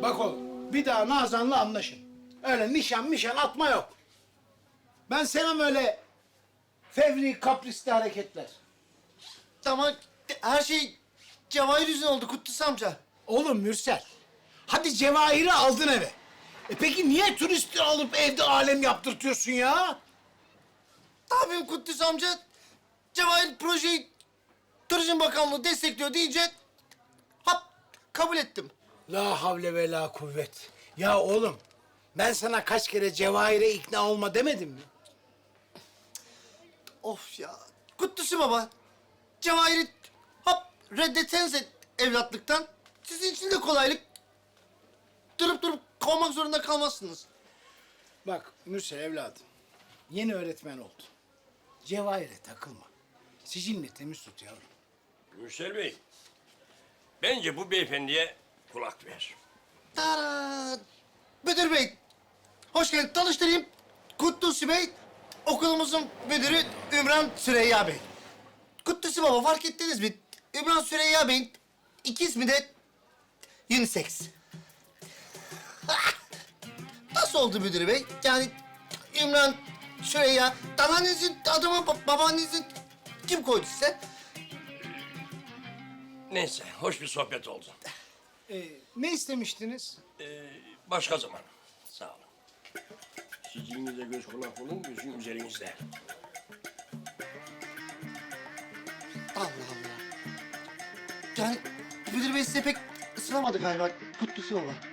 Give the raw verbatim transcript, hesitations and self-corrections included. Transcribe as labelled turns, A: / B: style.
A: Bak oğlum, bir daha Nazan'la anlaşın. Öyle nişan mişan atma yok. Ben sevmem öyle fevri, kaprisli hareketler.
B: Ama her şey Cevahir yüzünden oldu Kutlusu amca.
A: Oğlum Mürsel, hadi Cevahir'i aldın eve. E peki niye turisti alıp evde alem yaptırtıyorsun ya?
B: Ne yapayım Kutlusu amca? Cevahir projeyi Turizm Bakanlığı destekliyor deyince hop kabul ettim.
A: La havle ve la kuvvet. Ya oğlum, ben sana kaç kere Cevahir'e ikna olma demedim mi?
B: Of ya. Kutlusu baba. Cevahir'i hop reddetsenize evlatlıktan. Sizin için de kolaylık. Durup durup kovmak zorunda kalmazsınız.
A: Bak Mürsel evladım, yeni öğretmen oldu. Cevahir'e takılma. Sicilini temiz tut yavrum.
C: Mürsel Bey, bence bu beyefendiye kulak ver.
B: Tara. Müdür bey. Hoş geldin. Tanıştırayım. Kutlusu Bey. Okulumuzun müdürü Ümran Süreyya Bey. Kutlusu baba fark ettiniz mi? Ümran Süreyya Bey'in iki ismi de unisex. Nasıl oldu müdür bey? Yani Ümran Süreyya, anneannenizin adı mı, ba- babaannenizin kim koydu size?
C: Neyse, hoş bir sohbet oldu.
A: Ee, ne istemiştiniz?
C: Ee, başka zaman. Sağ olun. Sicilinize göz kulak olun, gözüm üzerinizde.
B: Allah Allah. Yani müdür bey size pek ısınamadı galiba Kutlusu baba.